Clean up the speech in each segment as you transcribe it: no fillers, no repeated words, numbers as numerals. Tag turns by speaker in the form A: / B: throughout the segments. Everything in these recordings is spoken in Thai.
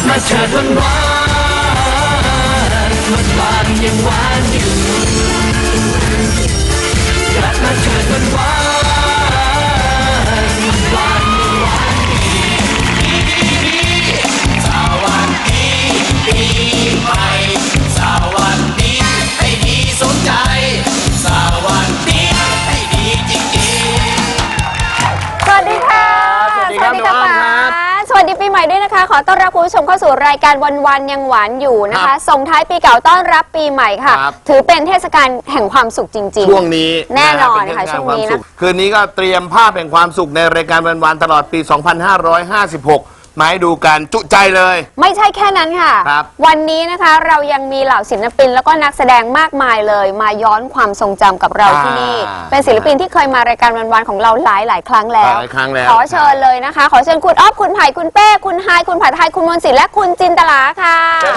A: มาเถิดวันวานวันวานยังหวานอยู่กลับมาเถิดวันวานวันวานยังหวานสวัสดีปีใหม่สวัสดีให้ดีสนใจสวัสดีให้ดีจริงๆ
B: สวัสดีค่ะ
C: สวัสดีครับน้องอ้อมครับ
B: สวัสดีปีใหม่ด้วยนะคะขอต้อนรับคุณผู้ชมเข้าสู่รายการวันยังหวานอยู่นะคะส่งท้ายปีเก่าต้อนรับปีใหม่ค่ะถือเป็นเทศกาลแห่งความสุขจริงๆ
C: ช่วงนี้
B: แน่นอนค่ะช่วงนี้นะ
C: คืนนี้ก็เตรียมภาพแห่งความสุขในรายการวันตลอดปี 2556 มาให้ดูกันจุใจเลย
B: ไม่ใช่แค่นั้นค่ะวันนี้นะคะเรายังมีเหล่าศิลปินแล้วก็นักแสดงมากมายเลยมาย้อนความทรงจำกับเราที่นี่เป็นศิลปินที่เคยมารายการวันของเราหลายครั้งแล้วขอเชิญเลยนะคะขอเชิญคุณอ๊อฟคุณไผ่คุณเป้คุณไฮคุณผัดไทยคุณมนต์สิทธิ์และคุณจินตลาค่ะ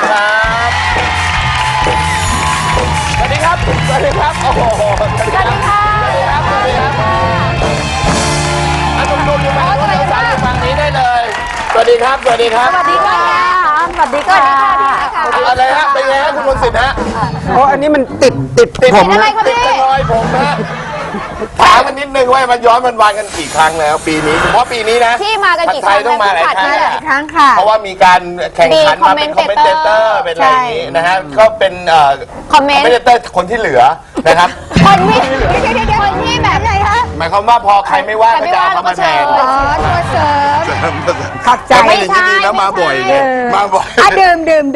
C: สวัสดีครับสวัสดีครับโอ้โหสวัสดีครับสวัสดีครับสวัสดีครับทุกคนอยู่ฝั่งนี้ได้เลยสวัสดีครับสวัสดีครับ
B: สวัสดีค่ะสวัสดีค่ะ
C: อะไรฮะเป็นไงฮะคุณมนต์สิทธิ์ฮะ
D: โอ้อันนี้มันติดผม
B: อะไรคะพี่
C: ติดรอยผมฮะถามกันนิดนึงว่ามันย้อนวันกันกี่ครั้งแล้วปีนี้เฉพาะปีนี้นะ
B: ที่มากันกี่ครั้ง
C: ต้องมาหลาย
B: ครั้งค่ะ
C: เพราะว่ามีการแข่งขันมาเป็นคอมเมนเตอร์เป็นอะไรอย่างนี้นะฮะก็เป็น
B: คอมเมน
C: เตอร์คนที่เหลือนะครับ
B: คนที่แบบไหนคะ
C: หมายความว่าพอใครไม่ว่าก็จะเอาเขามาแทน
B: ตัวเสริม
D: ขัดใจ
C: ไม่ใช่แล้วมาบ่อยไงมาบ่อย
B: ดื่ม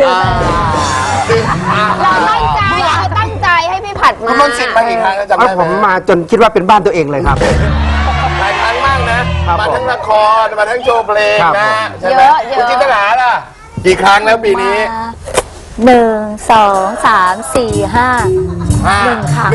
B: เราตั้งใจให้พี่ผัดมา
C: คุณมนต์สิทธิ์มากี่ครั้งแล้วจำได้ไหม
D: ผมมาจนคิดว่าเป็นบ้านตัวเองเลยครับ
C: หลายครั้งมากนะมาทั้งละครมาทั้งโชว์เพลงนะใช่ไหมคุณจินตลาล่ะกี่ครั้งแล้วปีนี้
B: 1 2 3 4 5 1 ครั้ง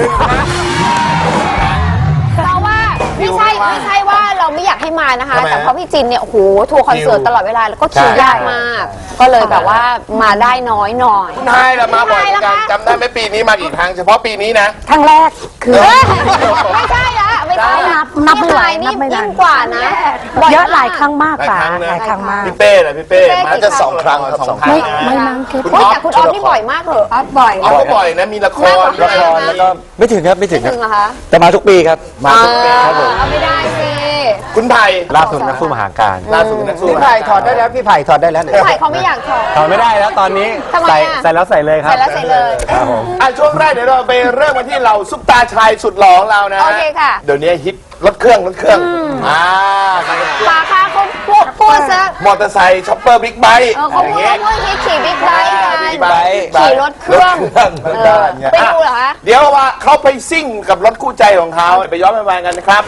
B: เพราะว่าไม่ใช่ว่าเราไม่อยากให้มานะคะแต่เพราะพี่จินเนี่ยโอ้โหทัวร์คอนเสิร์ตตลอดเวลาแล้วก็คิวยากมากก็เลยแบบว่ามาได้น้อยหน่อย
C: ใช่แล้วมาบ่อยกันจำได้ไหมปีนี้มากี่ครั้งเฉพาะปีนี้นะ
B: ครั้งแรกคือไม่ใช่ละไม่ใช่นับไม่ไหวนี่ยิ่งกว่านะ
E: เยอะหลายครั้งมากป่ะหลายครั้งมาก
C: พี่เป้นะพี่เป้มาจะ2 ครั้ง
E: ไม่มั้งคือ
B: แต่คุณอ๊อฟนี่บ่อยมากเหรอ
E: บ่อย
C: ก็บ่อยนะมีละคร
D: แล้วก็ไม่ถึงครับไม่ถึง
B: เหรอคะ
D: แต่มาทุกปีครับ
C: มาทุกปีครับผม
B: ไม่ได้สิ
C: คุณไผ่
D: ล่าสุดนักสู้มหาการ
C: ล่าสุดนักสู้
D: พี่ไผ่ถอดได้แล้วพี่ไผ่ถอดได้แล้ว
B: พี่ไผ่เขาไม่อยากถอด
D: ไม่ได้แล้วตอนนี้ใส่แล้วใส่เลยครับ
B: ใส่แล้วใส่เลย
D: ครับผม
C: ช่วงแรกเดี๋ยวเราไปเริ่มกันที่เราซุปตาชายสุดหล่อของเรานะ
B: โอเคค่ะ
C: เดี๋ยวนี้ฮิตรถเครื่อง
B: ปาค่าเขาพูดซะ
C: มอเตอร์ไซค์ช็อปเปอร์บิ๊กไบค์
B: เขาพูดขี่บิ๊กไบค์ขี่รถเครื่องไปดูเหรอคะ
C: เดี๋ยวว่าเขาไปซิ่งกับรถคู่ใจของเขาไปย้อนไปกันนะครับ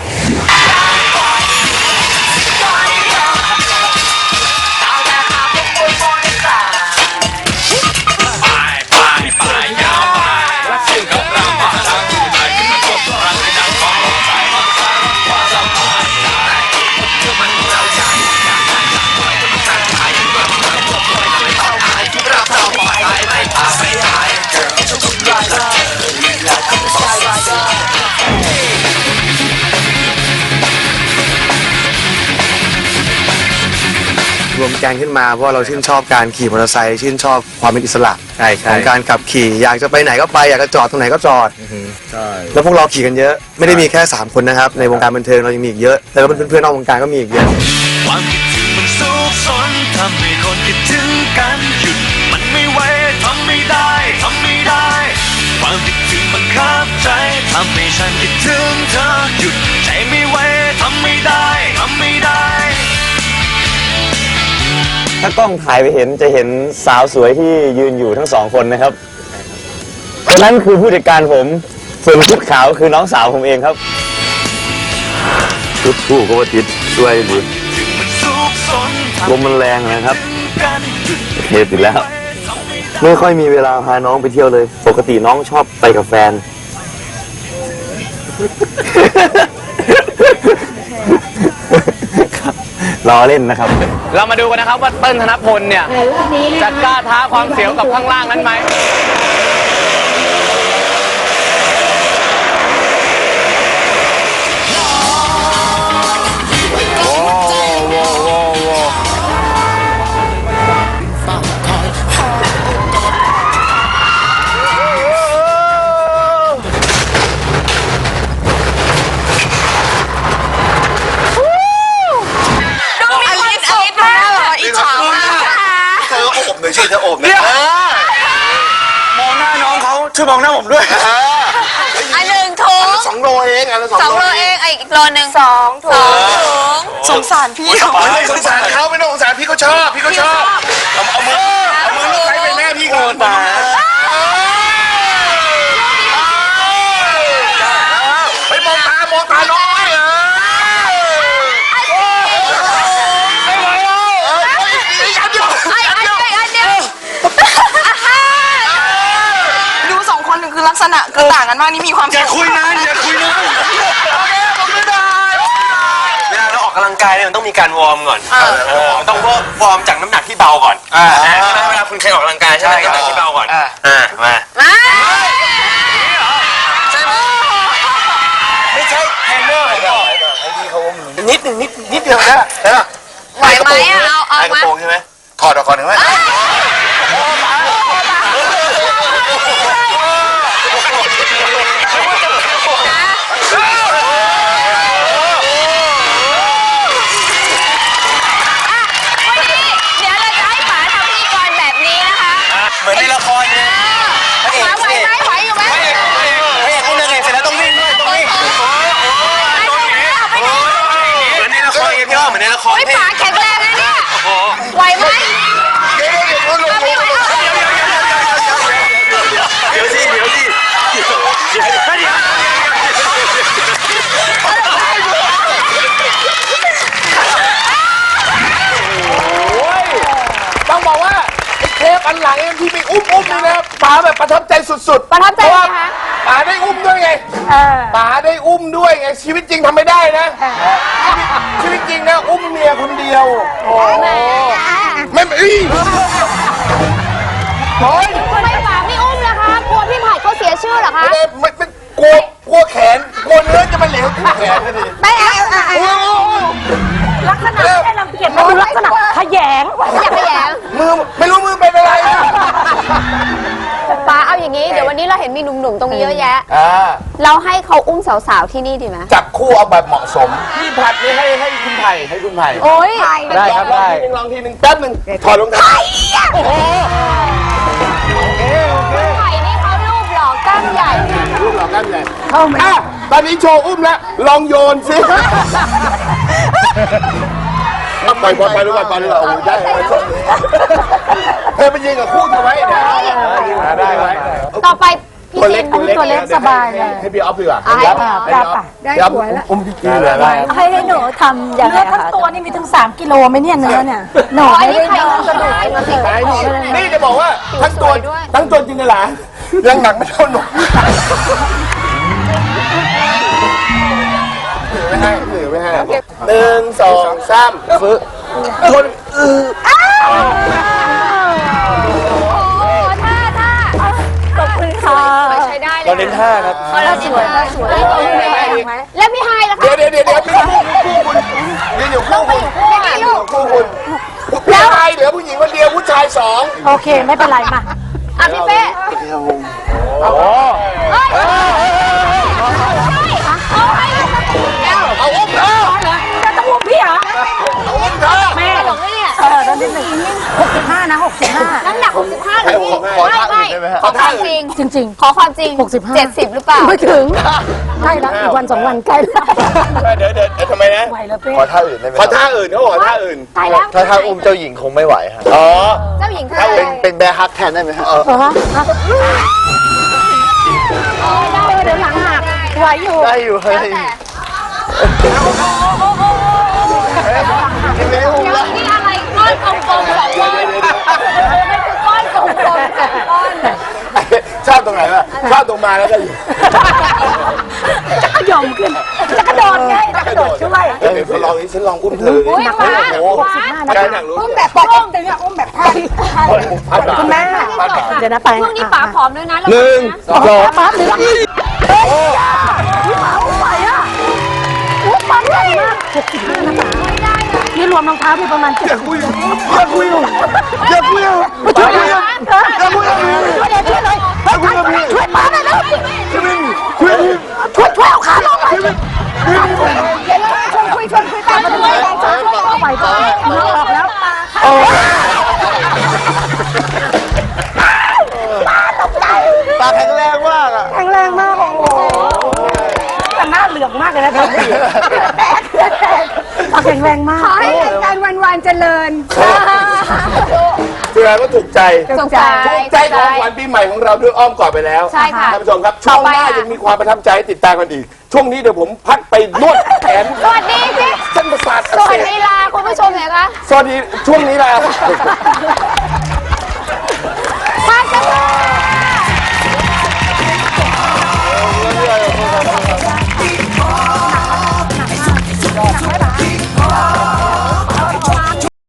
F: รวมแกงขึ้นมาเพราะเราชื่นชอบการขี่มอเตอร์ไซค์ชื่นชอบความเป็นอิสระของการขับขี่อยากจะไปไหนก็ไปอยากจะจอดตรงไหนก็จอดแล้วพวกเราขี่กันเยอะไม่ได้มีแค่3 คนนะครับในวงการบันเทิงเรายังมีอีกเยอะแล้วก็เพื่อนๆนอกวงการก็มีอีกเยอะ
A: ความคิดถึงมันซุกซนทำให้คนคิดถึงกันหยุดมันไม่ไหวทำไม่ได้ความคิดถึงมันคับใจทำให้ฉันคิดถึงเธอหยุดใจไม่ไหวทำไม่ได้
F: ถ้ากล้องถ่ายไปเห็นจะเห็นสาวสวยที่ยืนอยู่ทั้ง2 คนนะครับคนนั้นคือผู้จัดการผมส่วนชุดขาวคือน้องสาวผมเองครับชุดคู่ก็ว่าติดด้วยหรือลมมันแรงนะครับเทติดแล้วไม่ค่อยมีเวลาพาน้องไปเที่ยวเลยปกติน้องชอบไปกับแฟนล้อเล่นนะครับ
C: เรามาดูกันนะครับว่าเติ้ลธนพลเนี่ยจะกล้าท้าความเสียวกับข้างล่างนั้นไหม
F: ช่วยมองหน้าผมด้วย
B: อันหนึ่งถุง
C: 2 โลเองอันละ
B: 2
C: 2
B: โล
C: โล
B: เองอีกโลนึง2 ถุงสงสารพี่เขา
C: ไม่ต้องสงสารเขาไม่ต้องสงสารพี่เขาชอบเอามือลูกใครไปแม่พี่ก่อนตาไปมองตาน้อยไม่ไหวแล้วอันเดียว
G: ดูสองคนคือลักษณะคือต่างกันมากนี่มีความ
F: อย่าคุยนานเวลาเราออกกำลังกายเนี่ยมันต้องมีการวอร์มก่อนมันต้องวอร์มจากน้ำหนักที่เบาก่อนใช่ไหมเวลาคุณเคยออกกำลังกายใช่ไหมน้ำหนักที่เบาก่อนมาไม่ใช่เทรนเนอร์ผมบอกนิดเดียวนะ
B: ไหวไหมเอา
F: กระ
B: มา
F: โปรงใช่ไหม
C: ถอดออกก่อนถึงไหม
B: เดี๋ยวเราจะให้ป๋าทำพิธีกรแบบนี้นะคะ
F: เหมือนในละครเนี่ย
B: ป๋าไหวไหมไหวอยู่ไหม
F: ต้องเดินเองเสร็จแล้วต้องวิ่งด้วยต้องวิ่งเหมือนในละครไงพี่ว่าเหมือนในละคร
B: ป๋าแข็งแรงนะเนี่ยไหวไหม
C: เดี๋ยว
B: ไม่ไหว
F: เดี๋ยวสิ
C: ต้องบอกว่าไอ้เทปอันหลังที่มีอุ้มนี่นะป๋าแบบประทับใจสุดๆ
B: ประทับใจ
C: เพราะ
B: ไหม
C: ว่า
B: คะ
C: ป๋าได้อุ้มด้วยไงป๋าได้อุ้มด้วยไงชีวิตจริงทำไม่ได้นะชีวิตจริงนะอุ้มเมียคนเดียวไม่โอ้ย
B: ทำไมป๋าไม่อุ้มล่ะคะกลัวพี่ไผ่เขาเสียชื่อเหรอคะ
C: ไม่กลัวแขนกลัวเนื้อจะมาเหลวที่แขนเลย
B: ไม่เอา
E: ลักษณะไม่ได้รังเกียจมันดูลักษณะขยง
B: อยากขยง
C: มือไม่รู้มือเป็นอะไร
B: ป๋าเอาอย่างนี้เดี๋ยววันนี้เราเห็นมีหนุ่มๆตรงนี้เยอะแยะ เราให้เขาอุ้มสาวๆที่นี่ดีไหม
C: จับคู่เอาแบบเหมาะสมพี่ผัดนี่ให้คุณไผ่
B: โอ้ย
D: ได้ครับได้
C: ลองทีนึงแป๊บนึงถอดรองเท้าโอ้โห
B: ไผ่นี่เขารูปหล่อกล้ามใหญ่
C: รูปหล่อกันเลยตอนนี้โชว์อุ้มแล้วลองโยนสิปล่อยดูก่อนโอ้ยได้เธอไปยิงกับคู่เธอไว้ได้ไหม
B: ต่อไปพี่
C: ตัว
B: จิ
C: เล็ก
B: น
E: ตัวเล็กสบายเลย
C: ให้พี่ออฟดีกว่า
B: ให้
E: ได้ป่ะได้สวยแล้ว
C: อุ้มพี่จีเลย
E: ให้หนูทำอย่างเนื้อทั้งตัวนี่มีถึง3 กิโลไหมเนี่ยเนื้อเนี่ยหนู
B: อัน
E: ไม่
B: นี้
E: ได้
B: ไข่กระดูกมาสิ
C: นี่จะบอกว่าทั้งตัวจริงเลยหรอยังหนักไม่เท่าหนูไม่ให้1 2 3ฝึกคน
B: โอ้ท่า
E: ขอบคุณค่ะ
B: ใช้ได้เลย
D: เราเน้นท่าครับ
B: เราสวยแล้วพี่ไฮล่ะคะ
C: เดี๋ยวไม่คู่คุณนี่อยู่คู่คุณ
B: ไม่มีลูก
C: คู่คุณผู้ชายเหลือผู้หญิงคนเดียวผู้ชาย2
E: โอเคไม่เป็นไรมา
B: อ่ะพี่เป้
C: เอาอุ้มเธอ
E: จะต้องอุ้มพี่เหรอ
C: เอาอุ้มเธอ
B: แม่หลงเลยเนี่ย
E: ตอนที่65นะ65
B: น้ำหนัก65หรือพี่ไม่ขอความจริง
E: จริง
B: ขอความจริง
E: 65
B: 70หรือเปล่า
E: ไม่ถึงใกล้แล้วอีกวัน2 วันใกล้แล้ว
C: เดี๋ยวทำไมนะ
E: ไหวแล้วเป้
C: ขอท่าอื่นเขาบอกท่าอื่น
B: ตายแล้ว
D: ถ้าอุ้มเจ้าหญิงคงไม่ไหวฮะ
C: อ๋อ
B: เจ้าหญิงค่ะ
D: เป็นแบร์ฮักแทนได้ไหมฮะ
E: เหรอเดี๋ยวหลังหักไหวอยู่
D: ได้อยู่เฮ้ย
C: กินเลยอุ้ม
B: เดี๋ยว
C: แล้ว
B: นี่อะไรก้อนกลมๆ2 ก้อนก้อนกลมๆก้อน
C: ชอบตรงไหนวะชอบตรงมาแล้วก็อยู่
E: จะขยมขึ้นจะกระโดดไงจะกระโดดช่วย
C: เดี๋ยวฉันลองอุ้มเธอ
B: อุ้ยฟ้า
C: แกอยากรู้
E: อุ้มแบบปกติเนี่ยอุ้มแบบท่าคุณแม่เดี๋ยวนะไป
B: ช่วงนี้ป๋าผอมด้วยนะ
E: 2ปั๊บเลยพี่หมาอุ้มไหวอ่ะอุ้มปั๊บใหญ่มาก65นะป๋านี่รวมรองเท้าพี่ประมาณ7อย่าคุยมาช่วยเลยช่วยเลยช่วยป้าหน่อยนะช่วยเอาขาลงหน่อยชวนคุยตามมาด้วยเอาไปก่อนมือออกแล้วป้าตกใจ
D: ปลาแข็งแรง
E: เหลืองมากเลยนะตาแข็งแรงมาก
B: ขอให้รายการวันๆเจริญ
C: แสดงว่าถูกใจ
B: ถูกใจ
C: ถูกใจของขวัญปีใหม่ของเราด้วยอ้อมกอดไปแล้ว
B: ใช่ค่ะ
C: ท่านผู้ชมครับช่วงหน้ายังมีความประทับใจให้ติดตามกันอีก ช่วงนี้เดี๋ยวผมพักไปนวดแขน
B: สวัสดีสิ
C: เส้นประสาทอั
B: ส
C: ก
B: วั
C: เส
B: ส
C: บ
B: ดีลาคุณผู้ชมหน่อยคะ
C: สวัสดีช่วงนี้แหละ